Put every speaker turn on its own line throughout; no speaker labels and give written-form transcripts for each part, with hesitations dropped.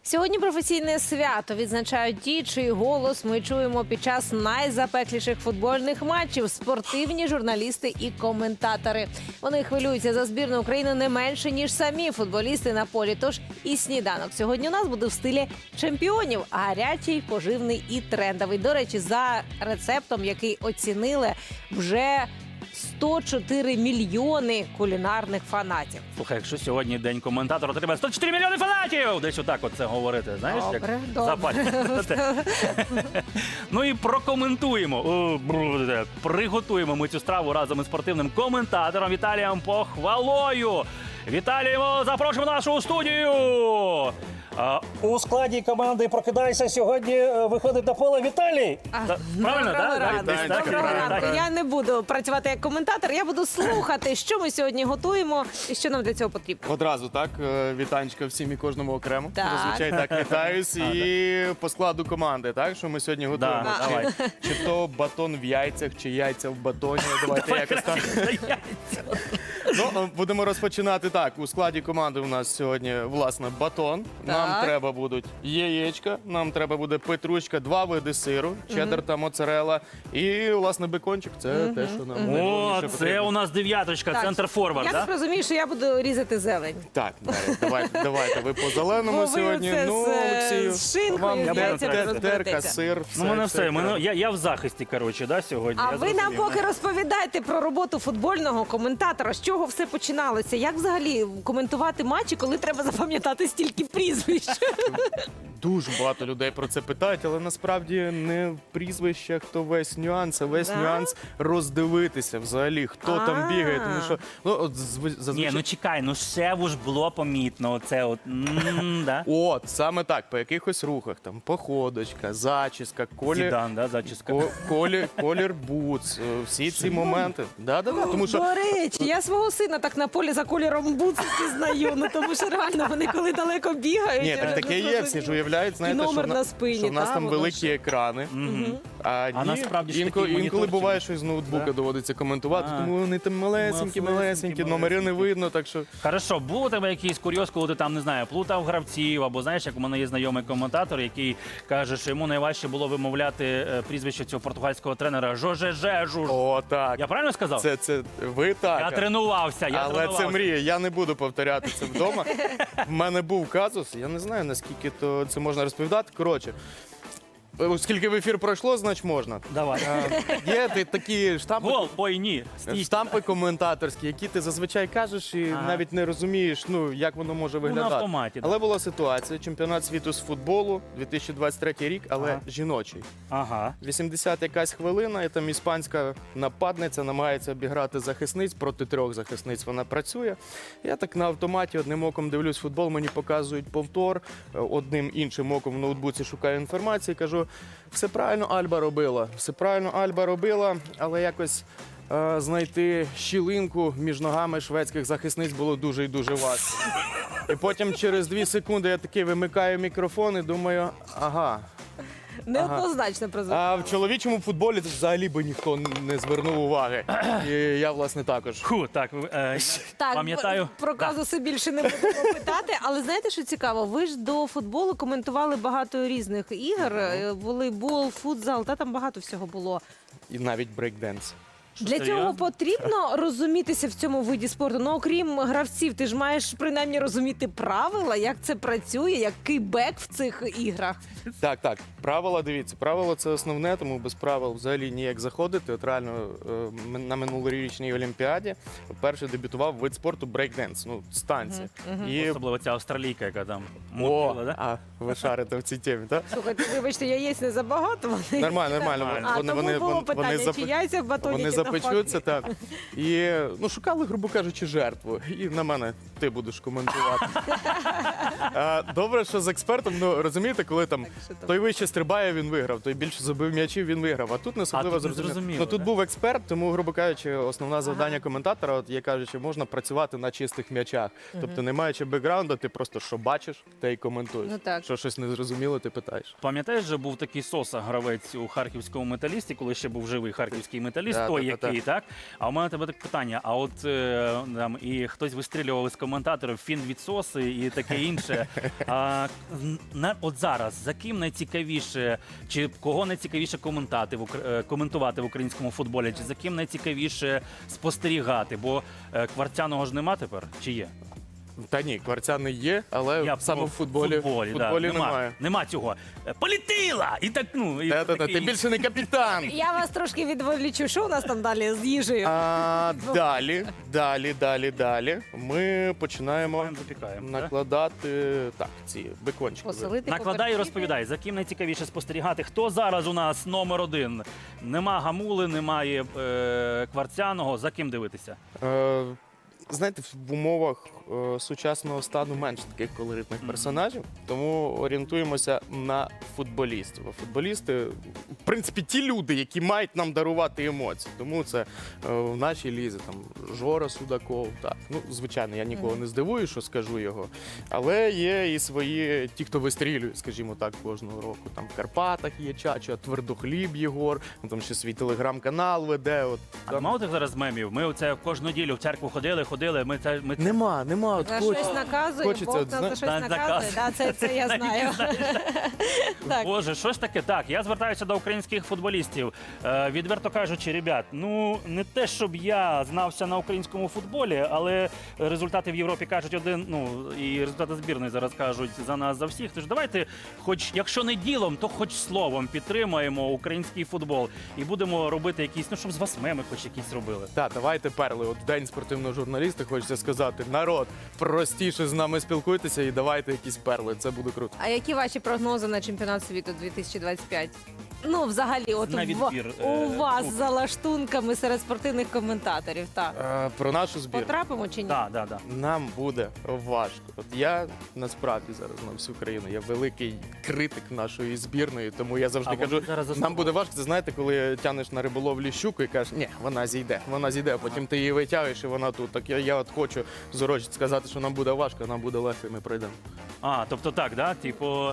Сьогодні професійне свято відзначають ті, чий голос ми чуємо під час найзапекліших футбольних матчів – спортивні журналісти і коментатори. Вони хвилюються за збірну України не менше, ніж самі футболісти на полі. Тож і сніданок сьогодні у нас буде в стилі чемпіонів – гарячий, поживний і трендовий. До речі, за рецептом, який оцінили вже 104 мільйони кулінарних фанатів.
Слухай, якщо сьогодні день коментатора, то треба 104 мільйони фанатів! Десь отак от це говорити, знаєш?
Добре,
як
добре.
Ну і прокоментуємо, приготуємо ми цю страву разом із спортивним коментатором Віталієм Похвалою. Віталіємо, запрошуємо в нашу студію!
У складі команди «Прокидайся» сьогодні виходить на поле Віталій.
Правильно,
Доброго
так?
ранку.
Десь так?
Доброго
Так,
ранку.
так.
Я не буду працювати як коментатор, я буду слухати, що ми сьогодні готуємо і що нам для цього потрібно.
Одразу так, вітанечка всім і кожному окремо.
Так.
Зазвичай так вітаюсь. І по складу команди, так, що ми сьогодні готуємо.
Да, давай.
Чи то батон в яйцях, чи яйця в батоні. Давайте якось так. Ну, будемо розпочинати так. У складі команди у нас сьогодні, власне, батон. Нам
Так.
треба будуть яєчка, нам треба буде петрушка, 2 види сиру, чеддер та моцарелла. І, власне, бекончик. Це те, що нам
О,
найголовніше
це
потрібно.
у нас дев'яточка,
Так,
центр форвард,
Я так
так?
розумію, що я буду різати зелень.
Так, давайте. Ви по зеленому
Бо ви
сьогодні.
оце
Ну,
з
Олексію,
з шинкою,
вам
з яйцями
дерка,
розберетеся.
сир,
Ну, у мене все,
треба.
я в захисті, коротше, да, сьогодні.
А
я
ви нам
зрозумів.
поки розповідайте про роботу футбольного коментатора. З чого все починалося? Як взагалі коментувати матчі, коли треба запам'ятати стільки прізвищ?
Дуже багато людей про це питають, але насправді не в прізвищах, то весь нюанс, а весь
Да?
нюанс роздивитися взагалі, хто там бігає. Тому що ну, от,
Ні,
зазвичай...
ну чекай, ну ще ж було помітно, оце от, да?
От, саме так, по якихось рухах, там, походочка, зачіска,
Зідан, да, зачіска.
колір бутс, всі ці моменти. Тому що
До речі, я свого сина так на полі за кольором бутсу пізнаю, ну тому що реально вони коли далеко бігають.
ні,
я
так
вже
таке
не
є, всі ж
зрозуміла.
уявляють, знаєте,
номер
що,
на спині,
що в нас
та,
там
воно
великі
ж.
екрани. А
насправді ж
інколи,
такий
інколи
моніторчик.
буває, що з ноутбука
Да.
доводиться коментувати,
А.
тому вони там малесенькі, номери не видно, так що...
Хорошо, був у тебе якийсь курйоз, коли ти там, не знаю, плутав гравців, або знаєш, як у мене є знайомий коментатор, який каже, що йому найважче було вимовляти прізвище цього португальського тренера Жоже Жежуж.
О, так.
Я правильно сказав?
Це ви так.
Я тренувався,
Але це мрія, я не буду повторяти це вдома. В мене був казус, я не знаю, наскільки то це можна розповідати. Коротше, оскільки в ефір пройшло, значить можна.
Давай.
Є такі штампи,
Гол, ой, ні. Стій.
штампи коментаторські, які ти зазвичай кажеш і
Ага.
навіть не розумієш, ну, як воно може
на
виглядати.
автоматі, да.
Але була ситуація, чемпіонат світу з футболу, 2023 рік, але
Ага.
жіночий.
Ага.
80 якась хвилина, і там іспанська нападниця намагається обіграти захисниць, проти 3 захисниць вона працює. Я так на автоматі одним оком дивлюсь футбол, мені показують повтор, одним іншим оком в ноутбуці шукаю інформацію, кажу, все правильно Альба робила, все правильно Альба робила, але якось знайти щілинку між ногами шведських захисниць було дуже і дуже важко. І потім через 2 секунди я такий вимикаю мікрофон і думаю, ага.
Неоднозначно прозвучало.
А в чоловічому футболі взагалі би ніхто не звернув уваги. І я, власне, також.
Фу, так,
Так,
пам'ятаю.
про казуси більше не будемо питати, але знаєте, що цікаво? Ви ж до футболу коментували багато різних ігор, волейбол, футзал, та там багато всього було.
І навіть брейкденс.
Для
серйозно?
цього потрібно розумітися в цьому виді спорту. Ну, окрім гравців, ти ж маєш принаймні розуміти правила, як це працює, який бек в цих іграх.
Так. Правила, дивіться, правила це основне, тому без правил взагалі ніяк заходити. От реально на минулорічній Олімпіаді вперше дебютував вид спорту брейкденс, ну, з танці. І...
Особливо ця австралійка, яка там
О,
мутила, да?
а ви шарите в цій темі, так?
Слухайте, вибачте, яєць не забагато. Вони...
Нормально.
А, тому було питання, чи яйця в батоні,
Вони
чи навпаки.
запечуться, так. І ну, шукали, грубо кажучи, жертву. І на мене ти будеш коментувати. Добре, що з експертом, ну розумієте, коли там
що там?
той вище стрибає, він виграв, той більше забив м'ячів, він виграв. А тут не особливо
тут не
зрозуміло.
зрозуміло,
Ну тут
да?
був експерт, тому, грубо кажучи, основне завдання коментатора, от я кажучи, можна працювати на чистих м'ячах. Тобто, не маючи бекграунду, ти просто що бачиш, те й коментуєш.
Ну, так.
Що щось не зрозуміло, ти питаєш.
Пам'ятаєш, же був такий Соса, гравець у харківському металісті, коли ще був живий харківський металіст, той, який, так? А у мене тебе таке питання. А от там і хтось вистрілював із коментаторів фінвідсоси і таке інше. От зараз за ким найцікавіше, чи кого найцікавіше коментувати в українському футболі, чи за ким найцікавіше спостерігати? Бо Кварцяного ж нема тепер, чи є?
Та ні, Кварцяний є, але саме в футболі немає.
Нема цього. Полетіла! І так, ну, і
Та-та-та,
таке
ти
інше.
більше не капітан.
Я вас трошки відволічу. Що у нас там далі з їжею?
Далі. Ми починаємо
Запікаємо, так?
накладати ці бекончики.
Посолити
Накладай і
поперчити.
розповідай, за ким найцікавіше спостерігати. Хто зараз у нас номер один? Нема Гамули, немає Кварцяного. За ким дивитися?
Знаєте, в умовах сучасного стану менше таких колоритних персонажів, тому орієнтуємося на футболістів. А футболісти, в принципі, ті люди, які мають нам дарувати емоції. Тому це в нашій лізі там Жора Судаков. Так. Ну, звичайно, я нікого не здивую, що скажу його. Але є і свої, ті, хто вистрілює, скажімо так, кожного року. Там в Карпатах є Чача, Твердохліб Єгор, там ще свій телеграм-канал веде. От,
А
там...
мало тих зараз мемів? Ми оце кожну неділю в церкву ходили. Ми
Нема. От
За
хоч-
щось наказує,
хочеться,
Бог
от,
нам за щось
знаєш,
наказує. Да, це я знаю. Так.
Боже, що ж таке? Так, я звертаюся до українських футболістів. Відверто кажучи, ребят, ну не те, щоб я знався на українському футболі, але результати в Європі кажуть один, ну і результати збірної зараз кажуть за нас, за всіх. Тож давайте, хоч якщо не ділом, то хоч словом підтримаємо український футбол і будемо робити якісь, ну щоб з вас меми хоч якісь робили.
Так, давайте перли. От в день спортивного журналіста хочеться сказати: народ, простіше з нами спілкуйтеся і давайте якісь перли. Це буде круто.
А які ваші прогнози на чемпіонат світу 2025? Ну, взагалі, от
На відбір,
у вас
кубків.
за лаштунками серед спортивних коментаторів. Так.
Про нашу збірну.
Потрапимо чи ні?
Так.
Нам буде важко. От я насправді зараз на всю країну. Я великий критик нашої збірної, тому я завжди
А вони
кажу,
зараз
нам буде важко. Це знаєте, коли тянеш на риболовлі щуку і кажеш, ні, вона зійде, а потім ти її витягуєш і вона тут. Так я от хочу зорочити сказати, що нам буде важко, нам буде легко, і ми пройдемо.
Тобто так, да? Типу,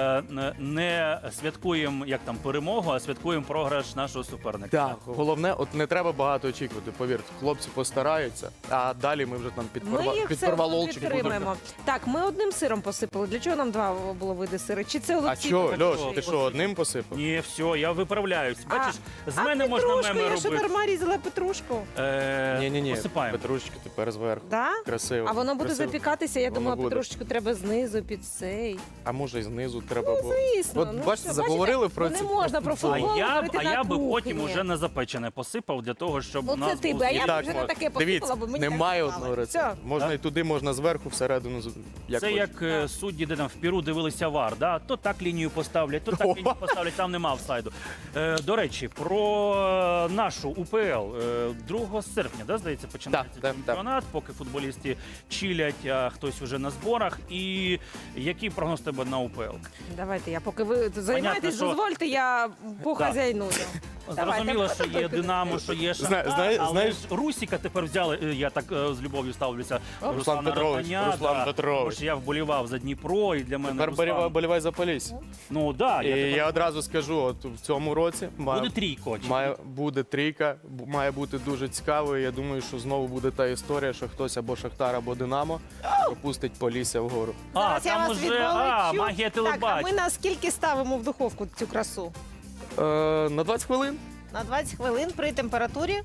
не святкуємо як там перемогу, а святкуємо програш нашого суперника.
Так, головне, от не треба багато очікувати. Повірте, хлопці постараються, а далі ми вже там
Ми їх все одно
підпорвалолчик будемо.
підтримаємо. Так, ми одним сиром посипали. Для чого нам два було види сири? Чи це
А
Олексій?
що,
так
Льош,
хоче?
ти що, одним посипав?
Ні, все, я виправляюсь. Бачиш, з мене можна
петрушку,
меми
я що
робити.
нормально різала петрушку.
Ні,
Посипаємо.
Петрушечки тепер зверху.
Да?
Красиво.
А воно буде
красиво.
запікатися, я
Воно
думала,
буде.
петрушечку треба знизу під цей.
А може і знизу треба було.
Звісно.
От бачите,
що,
заговорили про
не
ці
можна про
футбол.
футбол
А
говорити на
я би
кухні.
потім уже на запечене посипав для того, щоб у
Оце
нас
ти
був
би, а я
звіт.
б
Так,
вже не
от,
таке
дивіться,
посипала, бо мені
немає
так
одного
сказали.
рецепту.
Все.
Можна і туди, можна зверху, всередину. Як
Це
хочеш.
як судді, де там в Піру дивилися ВАР, да? То так лінію поставлять, то так лінію поставлять, там нема офсайду. До речі, про нашу УПЛ 2 серпня, да, здається, починається
Так.
чемпіонат, поки футболісти чилять, а хтось уже на зборах. І який прогноз тебе на УПЛ?
Давайте, я поки ви займаєтесь,
що-
дозвольте, я похазяйную.
Зрозуміло, що є Динамо, що є Шахтар, але
знаєш-
ж Русіка тепер взяли, я так з любов'ю ставлюся,
Руслан Петрович, Руслан Петрович.
Тому що я вболівав за Дніпро, і для мене
Тепер
Руслан...
болівай за Полісся.
Ну, да,
І
тепер-
я одразу скажу, от в цьому році
Буде трійко. чи-
буде трійка, має бути дуже цікавою. Я думаю, що знову буде та історія, що хтось або Шахтар, або Динамо пропустить Полісся вгору.
Зараз я
там
вас
уже
відволічу.
магія
Так, а ми
телебачення.
на скільки ставимо в духовку цю красу?
На 20 хвилин.
На 20 хвилин при температурі.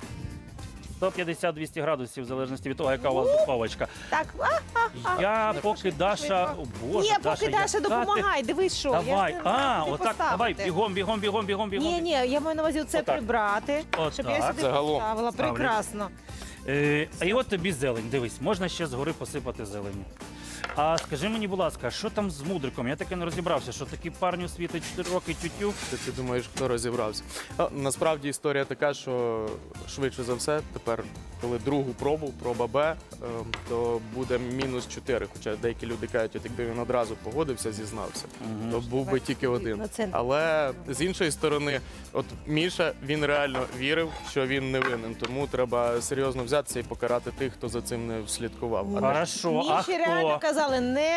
150-200 градусів, в залежності від того, яка у вас духовочка.
Так,
Я
не
поки
пошли,
Даша...
швидко.
О, Боже,
ні, поки Даша
яка ти-
допомагай, дивись, що. Я
Давай,
ж не знаю, куди
отак, давай,
поставити.
бігом.
Ні, я маю на увазі це
Отак.
прибрати,
Отак.
щоб я сюди
Загалом.
поставила.
Ставлю.
Прекрасно.
І от тобі зелень, дивись, можна ще згори посипати зелені. А скажи мені, будь ласка, що там з Мудриком? Я таки не розібрався, що такі парню світить 4 роки тютю.
Ти думаєш, хто розібрався? Насправді історія така, що швидше за все, тепер, коли другу пробу, проба Б, то буде -4. Хоча деякі люди кажуть, от якби він одразу погодився, зізнався, то був би тільки один.
На центр.
Але з іншої сторони, от Міша, він реально вірив, що він не винен, тому треба серйозно взятися і покарати тих, хто за цим не слідкував.
Хорошо, а
Міші реально
хто?
казали, не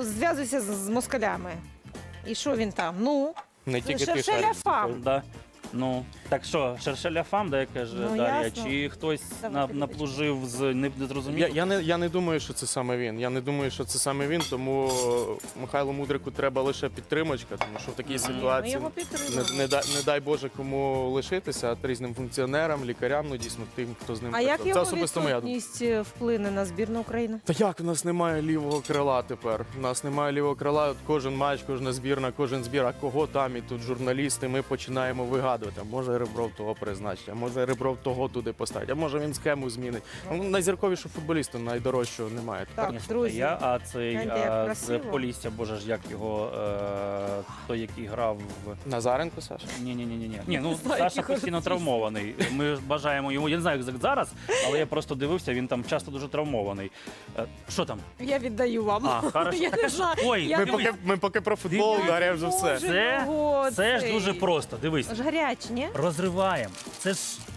зв'язуйся з москалями. І що він там? Ну,
Не тільки
ще
ти
все
шариш.
ляфам.
Да. Ну, так що, шершеля фам, де каже
Ну,
Дар'я,
ясно.
чи хтось
Давай, Федорич.
наплужив з незрозуміло?
Я не думаю, що це саме він. Я не думаю, що це саме він, тому Михайлу Мудрику треба лише підтримочка, тому що в такій
Ми
ситуації
його підтримуємо.
не дай Боже кому лишитися, а різним функціонерам, лікарям, ну дійсно тим, хто з ним
А як
працює.
його
Це особисто моя думка.
відсутність вплине на збірну України?
Та як у нас немає лівого крила тепер? У нас немає лівого крила. От кожен матч, кожна збірна, кожен збір. А кого там і тут журналісти? Ми починаємо вигадувати. А може Ребров того призначить, а може Ребров того туди поставить, а може він схему змінить. Ну, найзірковішого футболіста, найдорожчого немає.
Так,
Ні,
друзі.
а цей
гляньте, як
з
красиво.
Полісся, боже ж, як його, той, який грав в...
Назаренко, Саша?
Ні, ну
знаю,
Саша
який
постійно
артист.
травмований. Ми ж бажаємо йому, я не знаю, як зараз, але я просто дивився, він там часто дуже травмований. Що там?
Я віддаю вам.
А, хорошо.
Я не знаю.
Ой,
Я
Ми
дивись,
поки про футбол,
Дивіться.
Дар'я вже все.
Боже,
це ж
цей.
дуже просто. Дивись,
Аж гарячі, ні?
розриваємо. Це ж.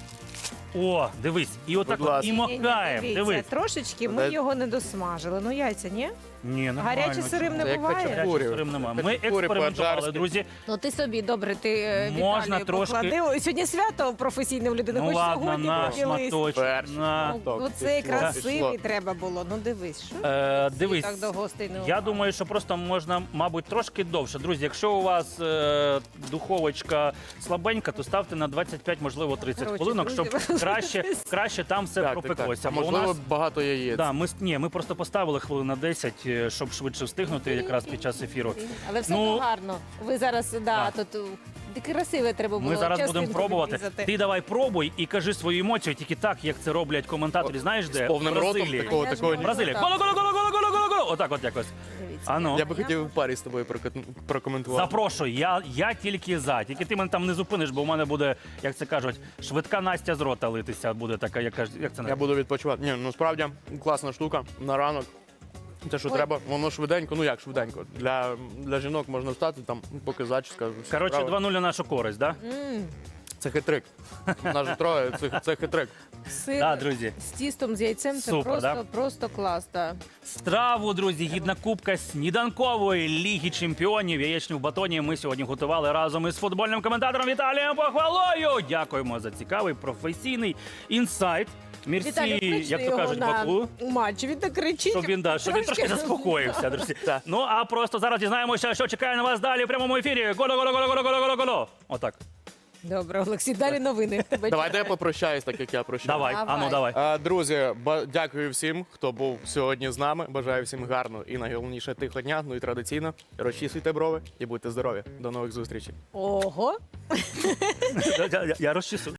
О, дивись, і отак
Будь
от,
ласка.
і макаємо.
Дивіться,
Дивись.
трошечки ми
Дай-
його не досмажили. Ну яйця, ні?
Ні, нормально.
Гарячі сирим
чому?
не
Це як
буває.
хачапурі.
Гарячий сирим немає. Ми
Хачапурі
експериментували,
по-аджарськи.
друзі.
Ну ти собі, добре, ти
Можна
Віталію
трошки-
поклади. Ой, сьогодні свято професійне в людини.
Ну
Хоч
ладно,
сьогодні
на
поділись.
шматочок.
Перший.
На.
Ну,
Так,
оцей
пішло,
красивий
пішло.
треба було. Ну дивись, що
Дивись,
так до гостей не
я
увага.
думаю, що просто можна, мабуть, трошки довше. Друзі, якщо у вас духовочка слабенька, то ставте на 25, можливо, 30
Коротше,
хвилинок, щоб
друзі,
краще там все пропеклося. Бо у
Можливо,
нас
багато яєць.
да, ми просто поставили хвилин на 10, щоб швидше встигнути якраз під час ефіру.
Але все
Ну,
одно гарно. Ви зараз, тут красиве треба було.
Ми зараз будемо
частинку
пробувати.
відрізати.
Ти давай пробуй і кажи свої емоції тільки так, як це роблять коментаторі. Знаєш, де?
З повним
В
ротом
Бразилії.
такого.
Я ж можу
Бразилія.
так.
Голо-голо-голо-голо-голо-голо-голо. Отак от якось.
Дивіться.
А ну.
Я би хотів в парі з тобою прокоментувати.
Запрошую, я тільки за. Тільки ти мене там не зупиниш, бо у мене буде, як це кажуть, швидка Настя з рота литися буде така, як це
Я
називається?
буду відпочивати. Ні, ну справді класна штука на ранок. Те, що
Ой.
треба, воно швиденько, ну як швиденько. Для жінок можна встати, там, поки зачіска. все
Коротше,
справа.
2-0 на нашу користь, так? Да?
Це хитрик. Нас же троє, це хитрик.
Сир
Да, друзі.
з тістом, з яйцем це
Супер,
просто,
да?
просто клас. Да.
Страву, друзі, гідна кубка сніданкової Ліги Чемпіонів. Яєчню в батоні ми сьогодні готували разом із футбольним коментатором Віталієм Похвалою. Дякуємо за цікавий професійний інсайт. Мірсі,
Віталій, кличте
як то
його
кажуть,
на
Баку.
матч. Він так кричить.
Щоб він трошки заспокоївся, друзі. Ну а просто зараз дізнаємося, що чекає на вас далі в прямому ефірі. Голо-голо-голо-голо-голо-голо-голо. Отак.
Добре, Олексій, далі новини. Тебе
Давайте я
чекаю.
попрощаюсь, так як я прощаюсь.
Давай,
Давай.
ану, давай.
Друзі, дякую всім, хто був сьогодні з нами. Бажаю всім гарного і найголовніше тихого дня. Ну і традиційно розчісуйте брови і будьте здорові. До нових зустрічей.
Ого.
Я розчісу.